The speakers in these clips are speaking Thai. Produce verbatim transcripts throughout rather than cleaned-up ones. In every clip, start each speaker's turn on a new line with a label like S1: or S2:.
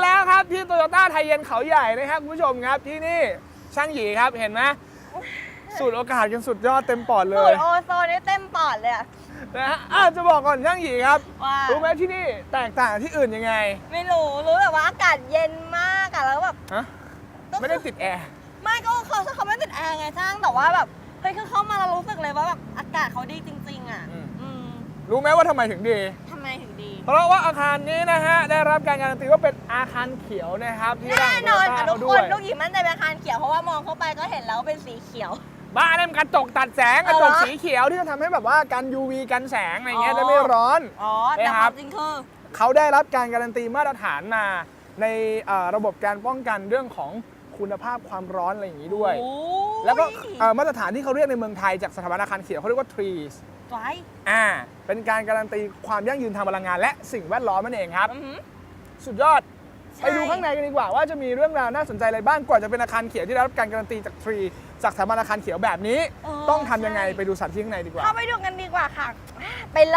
S1: แล้วครับที่โตโยต้าไทยเย็นเขาใหญ่นะครับคุณผู้ชมครับที่นี่ช่างหยีครับเห็นไหมสูดโอกาสกันสุดยอดเต็มปอดเล
S2: สู
S1: ย
S2: ดโอโซนได้เต็มปอดเลยอะ
S1: นะฮะอ่ะจะบอกก่อนช่างหยีครับ
S2: ว่า
S1: รู้ไหมที่นี่แตกต่างที่อื่นยังไง
S2: ไม่รู้รู้แต่ว่าอากาศเย็นมากอะแล้วแบบ
S1: ฮะไม่ได้ติดแอร์
S2: ไม่ก็เขาเขาไม่ติดแอร์ไงช่างแต่ว่าแบบเฮ้ยคือเข้ามาเรารู้สึกเลยว่าแบบอากาศเขาดีจริงๆอะอืม
S1: รู้ไหมว่าทำไมถึงดี
S2: ทำไมถึงดี
S1: เพราะว่าอาคารนี้นะฮะได้รับการการันตีว่าเป็นอาคารเขียวนะครับที่
S2: แน่
S1: ร่าง
S2: นอน
S1: โต
S2: ค่ะ
S1: โย
S2: ทุ
S1: ต้าก เขาด้
S2: ค
S1: วน ย
S2: ลูกหญิงมั่นใจเป็นอาคารเขียวเพราะว่ามองเข้าไปก็เห็นแล้วเป็นสีเขียว
S1: บ้านเนี่ยมันกระจกตัดแสงกระจก
S2: เอาเหรอ
S1: สีเขียวที่จะทำให้แบบว่ากัน ยู วี กันแสงอะไรเงี้ย
S2: อ๋อ
S1: ได้ไม่ร้อน
S2: อ๋อแต่
S1: นะ
S2: ค
S1: ครั
S2: วา
S1: บ
S2: มจริงคือ
S1: เขาได้รับการการันตีมาตรฐานมาในเอ่อระบบการป้องกันเรื่องของคุณภาพความร้อนอะไรอย่างนี้ด้วย
S2: โอ้
S1: แล้วก็เอ่อมาตรฐานที่เขาเรียกในเมืองไทยจากสถาบันอาคารเขียวเขาเรียกว่า ทรีส
S2: ไว้
S1: อ่าเป็นการการันตีความยั่งยืนทางพลังงาน และสิ่งแวดล้อมนั่นเองครับ
S2: อือหือ
S1: สุดยอด
S2: ใช่
S1: ไปดูข้างในกันดีกว่าว่าจะมีเรื่องราวน่าสนใจอะไรบ้างกว่าจะเป็นอาคารเขียวที่ได้รับการการันตีจากทรีจากสถาบันอาคารเขียวแบบนี้
S2: เออ
S1: ต้องทำยังไง
S2: ใช่
S1: ไปดูสถานที่ข้างในดีกว่า
S2: เข้าไปดูกันดีกว่าค่ะ ไปเลย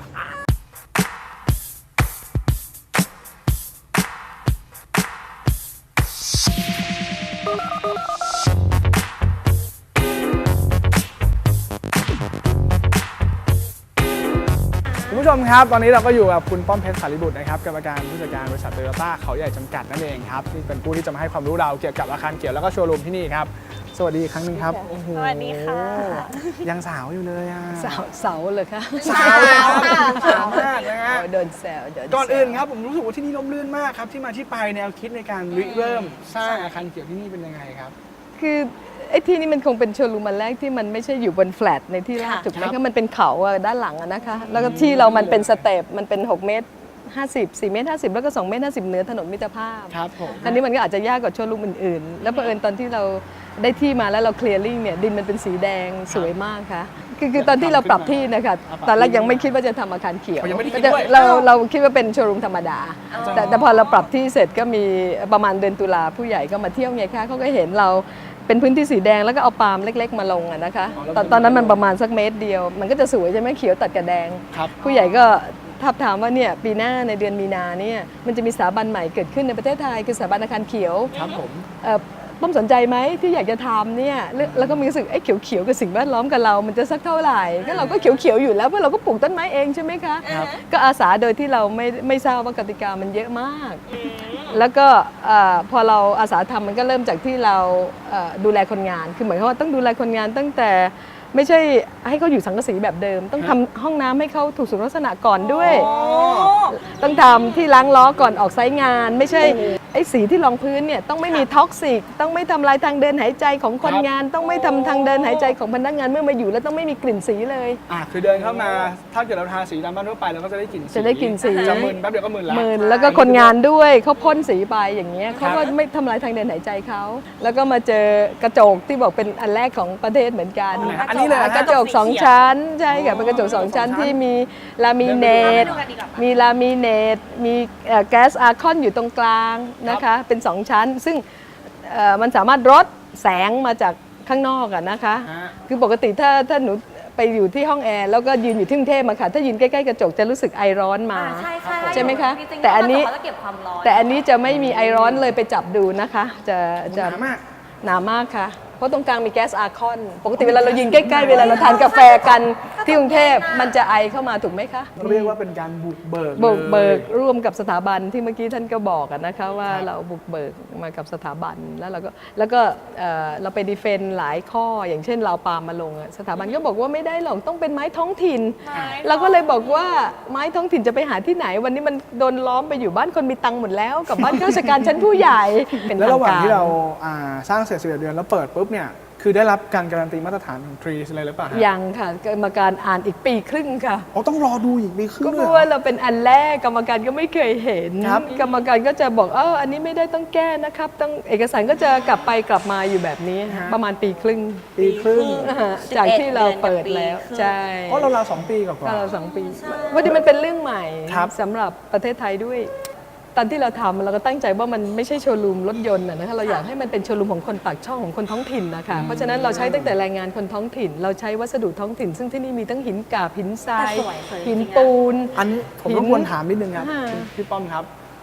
S1: คุณผู้ชมครับตอนนี้เราก็อยู่กับคุณป้อมเพชรสารีบุตรนะครับกรรมการผู้จัดการบริษัทโตโยต้าเขาใหญ่จำกัดนั่นเองครับที่เป็นผู้ที่จะมาให้ความรู้เราเกี่ยวกับอาคารเขียวแล้วก็โชว์รูมที่นี่ครับสวัสดีอีกครั้งหนึงครับโอ้โห
S2: สวัสดีค่ะ
S1: ยังสาวอยู่เลยอ่ะ
S3: เสาเสาเลยค่ะ
S1: สาวเลยครับสาวมากนะฮะ
S3: โดนแซวโดนแซว
S1: ก่อนอื่นครับผมรู้สึกว่าที่นี่ร่มรื่นมากครับที่มาที่ไปแนวคิดในการริเริ่มสร้างอาคารเขียวที่นี่เป็นยังไงครับ
S3: คือไอ้ที่นี่มันคงเป็นโชว์รูมอันแรกที่มันไม่ใช่อยู่บนแฟลตในที่ราบ
S2: ค่ะ
S3: ถูกไหม
S1: ครั
S3: คะ
S1: บ
S3: มันเป็นเขาอะด้านหลังอะนะคะ แล้วก็ที่เรามันเป็นสเต็ปมันเป็นหกเมตรห้าสิบ สี่เมตรห้าสิบแล้วก็สองเมตรห้าสิบเหนือถนนมิตรภาพ
S1: ครับผม
S3: อันนี้มันก็อาจจะยากกว่าโชว์รูมอื่นๆ แล้วเผอิญตอนที่เราได้ที่มาแล้วเราเคลียร์ลิ่งเนี่ยดินมันเป็นสีแดงสวยมากค่ะคือคือตอนที่เราปรับที่นะคะตอนแรกยังไม่คิดว่าจะทำอาคารเขียว
S1: เขายังไม่ได้คิด
S3: จะ
S1: ด้วย
S3: เราเราคิดว่าเป็นโชว์รูมธรรมดา แต่แต่พอเราปรับที่เสร็จก็มีประมาณเดือนตุลาผู้ใหญ่ก็มาเที่ยวไงคะเขาก็เห็นเราเป็นพื้นที่สีแดงแล้วก็เอาปาล์มเล็ก ๆ มาลงอะนะคะตอนตอนนั้นมันประมาณสักเมตรเดียว มันก็จะสวยใช่ไหมเขียวตัดกับแดง
S1: ครับ
S3: ผู้ใหญ่ก็ทับถามว่าเนี่ยปีหน้าในเดือนมีนาเนี่ยมันจะมีสถาบันใหม่เกิดขึ้นในประเทศไทยคือสถาบันอาคารเขียว
S1: ครับผม
S3: เอ่อป้อมสนใจไหมที่อยากจะทำเนี่ยแล้วแล้วก็มีรู้สึกไอ้เขียวๆกับสิ่งแวดล้อมกับเรา มันจะสักเท่าไหร่ก็เราก็เขียวๆอยู่แล้วเพราะเราก็ปลูกต้นไม้เองใช่ไหมคะ
S1: ครับ
S3: ก็อาสาโดยที่เราไม่ไม่ทราบว่ากติกามันเยอะมาก แล้วก็เอ่อพอเราอาสาทำมันก็เริ่มจากที่เราเอ่อดูแลคนงาน คือหมายความว่าต้องดูแลคนงานตั้งแต่ไม่ใช่ให้เขาอยู่สังกะสีแบบเดิม ต้องทำห้องน้ำให้เขาถูกสุขลักษณะก่อนด้วย
S2: โอ้
S3: ต้องทำที่ล้างล้อก่อนออกไซต์งาน ไม่ใช่ไอ้สีที่รองพื้นเนี่ยต้องไม่มีท็อกซิกต้องไม่ทำลายทางเดินหายใจของคนงาน ต้องไม่ทำทางเดินหายใจของพนักงานเมื่อมาอยู่แล้วต้องไม่มีกลิ่นสีเลย
S1: อ่ะคือเดินเข้ามาถ้าเกิดเราทาสีตามบ้านทั่วไปเราก็จะได้กลิ่นสี
S3: จะได้กลิ่นสี
S1: จะมึนแป๊บเดียวก็มึนแล้ว
S3: หมื่นแล้วก็คนงานด้วยเขาพ่นสีไปอย่างเงี้ยเขาก็
S1: ครับ
S3: ไม่ทำลายทางเดินหายใจเขาแล้วก็มาเจอกระจกที่บอกเป็นอันแรกของประเทศเหมือนกัน
S1: อ๋ออันนี้เลยเหรอฮะ
S3: กระจกสองชั้นใช่ค่ะเป็นกระจกสองชั้นที่มีลามิเนต
S2: ดูกันดีกว่า
S3: มีลามิเนตมีเอ่อแก๊สอาร์คอนอยู่ตรงกลางนะคะเป็นสองชั้น ซึ่งเอ่อมันสามารถลดแสงมาจากข้างนอกอะนะคะ
S1: ฮะ
S3: คือปกติถ้าถ้าหนูไปอยู่ที่ห้องแอร์แล้วก็ยืนอยู่ที่กรุงเทพมาค่ะถ้ายืนใกล้ๆกระจกจะรู้สึกไอร้อนมา
S2: ใช่ใช่
S3: ใช่ไหมคะ
S2: จริงๆ
S3: แต่อันนี้
S2: เขาจะเก็บความร้อน
S3: แต่อันนี้จะไม่มีไอร้อนเลยไปจับดูนะคะ จะจะ
S1: หนามาก
S3: หนามากค่ะ เพราะตรงกลางมีแก๊สอาร์คอน ปกติเวลาเรายืนใกล้ๆเวลาเราทานกาแฟกันที่กรุงเทพมันจะไอเข้ามาถูกไหมคะ
S1: เรียกว่าเป็นการบุกเบิก
S3: บุกเบิก
S1: ลย
S3: ร่วมกับสถาบันที่เมื่อกี้ท่านก็บอกอะนะคะว่า
S1: ครับ
S3: เราบุกเบิกมากับสถาบันแล้วเราก็แล้วก็เอ่อเราไปดีเฟนต์หลายข้ออย่างเช่นเราปาล์มมาลงอะสถาบันก็บอกว่าไม่ได้หรอกต้องเป็นไม้ท้องถิ่น เราก็เลยบอกว่าไม้ท้องถิ่นจะไปหาที่ไหน วันนี้มันโดนล้อมไปอยู่บ้านคนมีตังค์หมดแล้วกับบ้านข้าราชการชั้นผู้ใหญ่เป็น
S1: แล้วระหว่าง
S3: ทก
S1: ที่เราอ่าสร้างเสร็จสิบเอ็ดเดือนแล้วเปิดปุ๊บเนี่ยคือได้รับการการันตีมาตรฐานของทรีสอะไรหรือเปล่าฮะ
S3: ยังค่ะกรรมการอ่านอีกปีครึ่งค่ะ
S1: อ๋อต้องรอดูอีกปีครึ่ง
S3: ก็
S1: เล
S3: เพ
S1: ย
S3: ราะ
S1: เหร
S3: ว่า
S1: อ
S3: เราเป็นอันแรกกรรมการก็ไม่เคยเห็น
S1: ครับ
S3: กรรมการก็จะบอกเอออันนี้ไม่ได้ต้องแก้นะครับต้องเอกสารก็จะกลับไปกลับมาอยู่แบบนี้ประมาณปีครึ่ง
S1: ปีครึ่ง
S3: อ่าฮะจากที่เราเปิดแล้วใช่
S1: เพราะเราเราวๆสองปีกว่า
S3: ก็เราสองปีวันนี้มันเป็นเรื่องใหม่
S1: ครับ
S3: สำหรับประเทศไทยด้วย ตอนที่เราทำเราก็ตั้งใจว่ามันไม่ใช่โชว์รูมรถยนต์นะคะเราอยากให้มันเป็นโชว์รูมของคนปากช่องของคนท้องถิ่นนะคะเพราะฉะนั้นเราใช้ตั้งแต่แรงงานคนท้องถิ่น เราใช้วัสดุท้องถิ่น ซึ่งที่นี่มีทั้งหินกาบหินทราย
S2: แต่สวยสวย
S3: หิน
S2: จริงๆนะ
S3: ปูน
S1: อันนี้ผม
S3: หิน
S1: รบกวนถามนิดนึงครับ
S3: ค่ะ
S1: พี่ป้อมครับ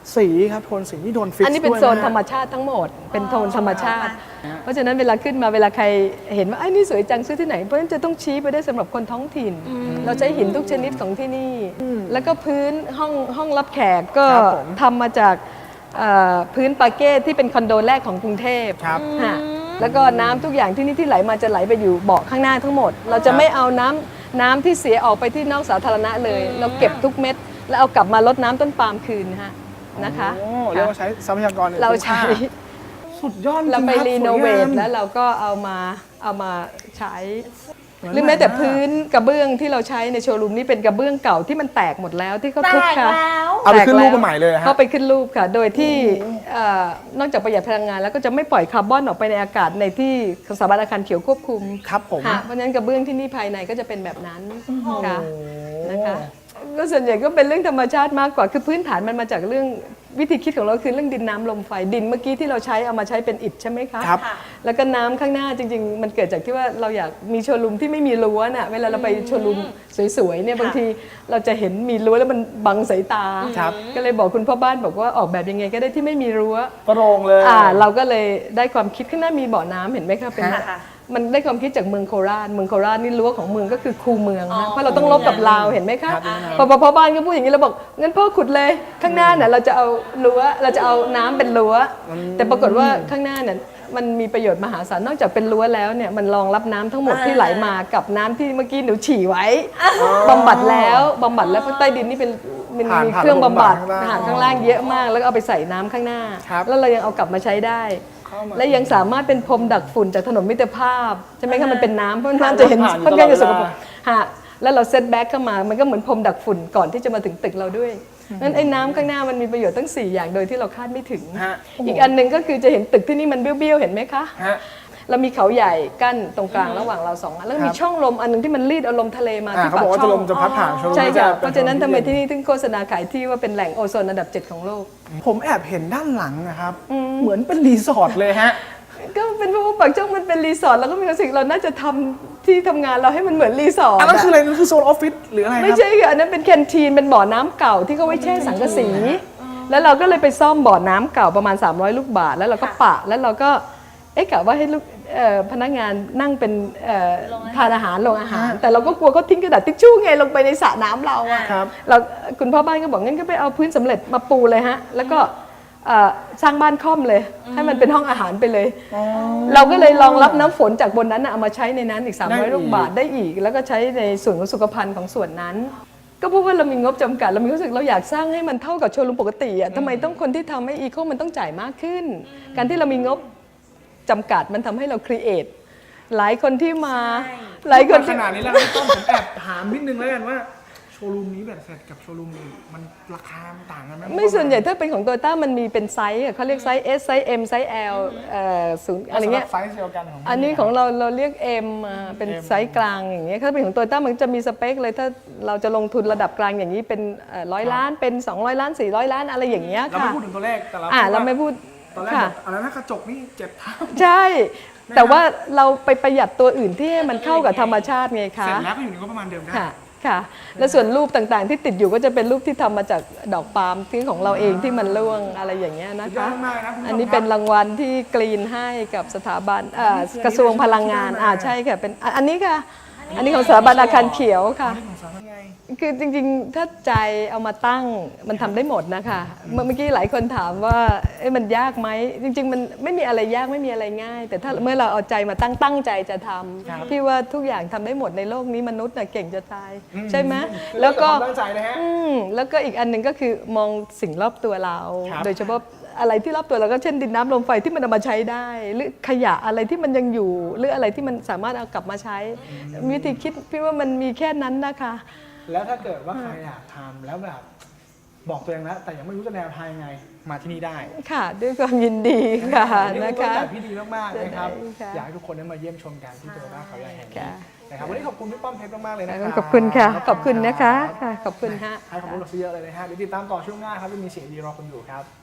S1: สีครับโทนสีที่โดนฟิกซ์
S3: อันนี้เป็น
S1: ด้วย
S3: โซน
S1: นะ
S3: ธรรมชาติทั้งหมด เป็นโทนธรรมชาติ เพราะฉะนั้นเวลาขึ้นมาเวลาใครเห็นว่าไอ้นี่สวยจังซื้อที่ไหนเพราะฉะนั้นจะต้องชี้ไปได้สำหรับคนท้องถิ่น เราใช้หินทุกชนิดของที่นี่ แล้วก็พื้นห้องห้องรับแขกก็
S1: ครับผม
S3: ทำมาจากเอ่อพื้นปาเก้ที่เป็นคอนโดแรกของกรุงเทพ
S1: ครับ
S3: ฮะแล้วก็น้ำทุกอย่างที่นี่ที่ไหลมาจะไหลไปอยู่เบาะข้างหน้าทั้งหมด เราจะไม่เอาน้ำน้ำที่เสียออกไปที่นอกสาธารณะเลย เราเก็บทุกเม็ดแล้วเอากลับมาลดน้ำต้นปาล์มคืนฮะนะคะ
S1: โอ้เรียกว่าใช้ทรัพยากรอย่ง
S3: เรา
S1: คุ้ม
S3: ใช้
S1: ค่สุดยอดจริง
S3: เราไป
S1: คบ
S3: รีโนเวท
S1: สยงาม
S3: แล้วเราก็เอามาเอามาใช้
S1: เหมือน
S3: หรือแม้แต่
S1: ใหม่มาก
S3: พื้นกระเบื้องที่เราใช้ในโชว์รูมนี่เป็นกระเบื้องเก่าที่มันแตกหมดแล้วที่เขา
S2: แต
S3: ทุบ
S2: ก
S3: ค่ะ
S2: แล้ว
S1: เอาไปขึ้นรูป
S3: แตกแล้ว
S1: มาใหม่เลยฮะ
S3: เขาไปขึ้นรูปค่ะ โดยที่เอ่อนอกจากประหยัดพลังงานแล้วก็จะไม่ปล่อยคาร์บอนออกไปในอากาศในที่สถาบันอาคารเขียวควบคุม
S1: ครับผม
S3: ค่ะเพราะฉะนั้นกระเบื้องที่นี่ภายในก็จะเป็นแบบนั้นค่ะ
S1: โอ้
S3: นะคะก็ส่วนใหญ่ก็เป็นเรื่องธรรมชาติมากกว่าคือพื้นฐานมันมาจากเรื่องวิธีคิดของเราคือเรื่องดินน้ำลมไฟดินเมื่อกี้ที่เราใช้เอามาใช้เป็นอิฐใช่ไหมคะ
S1: ครับ
S3: แล้วก็น้ำข้างหน้าจริง ๆ มันเกิดจากที่ว่าเราอยากมีโชว์รูมที่ไม่มีรั้วน่ะเวลาเราไปโชว์รูมสวยๆเนี่ยบางทีเราจะเห็นมีรั้วแล้วมันบังสายตา
S1: ครับ
S3: ก็เลยบอกคุณพ่อบ้านบอกว่าออกแบบยังไงก็ได้ที่ไม่มีรั้ว
S1: โปร่งเลย
S3: อ่าเราก็เลยได้ความคิดข้างหน้ามีบ่อน้ำเห็นไหมคะเป็น
S1: ค่ะ
S2: ค่ะ
S3: มันได้ความคิดจากเมืองโคราชเมืองโคราชนี่รั้วของเมืองก็คือคูเมืองนะเพราะเราต้องลบกับลาวเห็นไหมคะ
S1: ครับ
S3: พอพอพ่อบ้านก็พูดอย่างนี้เราบอกงั้นพ่อขุดเลยข้างหน้าเนี่ยเราจะเอารั้วเราจะเอาน้ำเป็นรั้วแต่ปรากฏว่าข้างหน้าเนี่ยมันมีประโยชน์มหาศาลนอกจากเป็นรั้วแล้วเนี่ยมันรองรับน้ำทั้งหมดที่ไหลมากับน้ำที่เมื่อกี้หนูฉี่ไว้บำบัดแล้วบำบัดแล้วเพราะใต้ดินนี่เป็นมัน
S1: ผ่าน
S3: มี
S1: ผ่าน
S3: เครื่องบำบัด
S1: ระบบ
S3: อาหารข้างล่างเยอะมากแล้วก็เอาไปใส่น้ำข้างหน้า
S1: ครับ
S3: แล้วเรายังเอากลับมาใช้ได้
S1: เข้ามา
S3: และยังสามารถเป็นพรมดักฝุ่นจากถนนมิตรภาพใช่ไหมคะมันเป็นน้ำเพราะน้ำจะเห็น
S1: ผ่านอยู่
S3: ค่อนข้างจะสกปร
S1: ตลอด
S3: ก
S1: เวลา
S3: ฮะแล้วเราเซตแบ็กเข้ามามันก็เหมือนพรมดักฝุ่นก่อนที่จะมาถึงตึกเราด้วยงั้นไอ้น้ำข้างหน้ามันมีประโยชน์ตั้งสี่อย่างโดยที่เราคาดไม่ถึง
S1: ฮะ
S3: อีกอันหนึ่งก็คือจะเห็นตึกที่นี่มันเบี้ยวๆเห็นไหมคะ
S1: ฮะ
S3: เรามีเขาใหญ่กั้นตรงกลางระหว่างเราสองอันแล้วก็มี
S1: ครับ
S3: ช่องลมอันหนึงที่มันรีดเอาลมทะเลมา
S1: อ่า
S3: ที่
S1: เขา
S3: ปา
S1: บอก
S3: ก
S1: ว่า
S3: ช่
S1: จะ
S3: อ
S1: ล
S3: ง
S1: มจะพัดผ่านโชว์รูม
S3: ใช่ค่ะ
S1: จ
S3: เพราะฉะนั้นทำไมที่
S1: เป็
S3: นี่ถึงโฆษณาขายที่ว่าเป็นแหล่งโอโซนอันดับเจ็ดของโลก
S1: ผมแอบเห็นด้านหลังนะครับ เหมือนเป็นรีสอร์ทเลยฮะ
S3: ก็เป็นเพราะว่าปากช่องมันเป็นรีสอร์ทแล้วก็มีความรู้สึกเราน่าจะทำที่ทำงานเราให้มันเหมือนรีสอร์ท
S1: อันนั้น
S3: อะ
S1: คืออะไรนั่นคือโซนออฟฟิศหรืออะไรค
S3: ไม่
S1: รับ
S3: ใช่ค่ะอันนั้นเป็นแคนทีนเป็นบ่อน้ำเก่าที่เขาไว้แช่สังกะสี แล้วเราก็เลยไปซ่อมบ่อน้ำเก่าประมาณสามร้อยลูกบาศก์แล้วเราก็ปะแล้วเราก็เอ๊ะกะว่าให้ลูกเอ่อพนักงานนั่งเป็นเอ่อทานอาหารลงอาหาร แต่เราก็กลัวเขาทิ้งกระดาษทิชชู่ไงลงไปในสระน้ำเราอะ
S1: ครับ
S3: เราคุณพ่อบ้านก็บอกงั้นก็ไปเอาพื้นสำเร็จมาปูเลยฮะแล้วก็เอ่อสร้างบ้านค่อมเลย ให้มันเป็นห้องอาหารไปเลย เราก็เลยรองรับน้ำฝนจากบนนั้นน่ะเอามาใช้ในนั้นอีก
S1: ได้อีก
S3: สามร้อยลูกบาศก์ได้อีก แล้วก็ใช้ในส่วนของสุขภัณฑ์ของส่วนนั้น ก็เพราะว่าเรามีงบจำกัดเรามีความรู้สึกเราอยากสร้างให้มันเท่ากับโชว์รูมปกติอ่ะทำไมต้องคนที่ทำให้อีโคมันต้องจ่ายมากขึ้น การที่เรามีงบจำกัดมันทำให้เราครีเอทหลายคนที่มาหลายคน
S1: ข
S3: ที่
S1: นาดนี้แล้วพี่ต้อมผมแอบถามนิดนึงแล้วกันว่าโชว์รูมนี้แบบเสร็จกับโชว์รูมอื่นมันราคามันต่างกันไหม
S3: ไม่ส่วนใหญ่ถ้าเป็นของโตโยต้ามันมีเป็นไซส์อะเขาเรียกไซส์ S ไซส์ M ไซส์ L เอ่อศูนย์อะไรเงี้ย
S1: สำหบไซส์เดียวกันของ
S3: อันนี้ของเราเราเรียก M มาเป็น
S1: M
S3: ไซส์กลางอย่างเงี้ยถ้าเป็นของโตโยต้ามันจะมีสเปคเลยถ้าเราจะลงทุนระดับกลางอย่างนี้เป็นร้อยล้านเป็นสองร้อยล้านสี่ร้อยล้านอะไรอย่างเงี้ย
S1: เรา
S3: ค่ะ
S1: ไม่พูดถึงตัวเลขแต่เรา
S3: อ่า
S1: พูด
S3: เรา
S1: ว่า
S3: ไม่พูด
S1: ตอนแรก
S3: ค่ะ
S1: แบบอะไรนะกระจกนี่เจ็ดเท่า
S3: ใช่ แต่ว่าเราไปประหยัดตัวอื่นที่ให้มันเข้ากับธรรมชาติไงคะ
S1: เสร็จแล้วก็อยู่ในงบประมาณเดิมได้
S3: ค่ะค่ะ แล้วส่วนรูปต่างๆที่ติดอยู่ก็จะเป็นรูปที่ทำมาจากดอกปาล์มที่ของเราเองที่มันร่วงอะไรอย่างเงี้ยนะ
S1: สุดยอ
S3: คะ
S1: ดมากนะคุณผู้ชม
S3: อันนี้เป็นรางวัลที่กรีนให้กับสถาบันเอ่อ
S1: อันนี้คือ
S3: กระทรวงพลังงาน
S1: ที่ได้มา
S3: อ่าใช่ค่ะเป็นอ่ะอันนี้ค่ะ อันนี้ของสถาบันอาคารเขียวค่ะ
S1: ของสามไง
S3: คือจริงๆ ถ้าใจเอามาตั้งมันทำได้หมดนะคะเมื่อเมื่อกี้หลายคนถามว่าเอ๊ะมันยากไหมจริง ๆ มันไม่มีอะไรยากไม่มีอะไรง่าย แต่ถ้าเมื่อเราเอาใจมาตั้งตั้งใจจะทำพี่ว่าทุกอย่างทำได้หมดในโลกนี้มนุษย์น่ะเก่งจะตาย ใช่ไหม
S1: คือ
S3: แล้วก็
S1: เรื่องของความตั้งใจนะฮะ
S3: อืมแล้วก็อีกอันหนึ่งก็คือมองสิ่งรอบตัวเรา
S1: ครับ
S3: โดยเฉพาะอะไรที่รอบตัวเราก็เช่นดินน้ำลมไฟที่มันเอามาใช้ได้ หรือขยะอะไรที่มันยังอยู่ หรืออะไรที่มันสามารถเอากลับมาใช้วิธีคิดพี่ว่ามันมีแค่นั้นนะคะ
S1: แล้วถ้าเกิดว่าใครอยากทำแล้วแบบบอกตัวเองแล้วแต่ยังไม่รู้จะแนวทางยังไงมาที่นี่ได้
S3: ค่ะด้วยความยินดีค่ะ
S1: นี่
S3: นะ
S1: เป็นต้น
S3: คะ
S1: แบบที่ดีมากๆนะครับ
S3: ค่ะ
S1: อยากให้ทุกคนได้มาเยี่ยมชมกันที่โตโยต้าเขาใหญ่แห่งนี้
S3: ค่ะ
S1: นะครับวันนี้ขอบคุณพี่ป้อมเพชรมากๆเลยนะครับ
S3: ขอบคุณค่ะ ขอบคุณนะคะค่ะขอบคุณค่ะ
S1: ให้ความรู้เราซะเยอะเลยนะฮะเดี๋ยวติดตามต่อช่วงหน้าครับจะมีเสียงดีรอคุณอยู่ครับ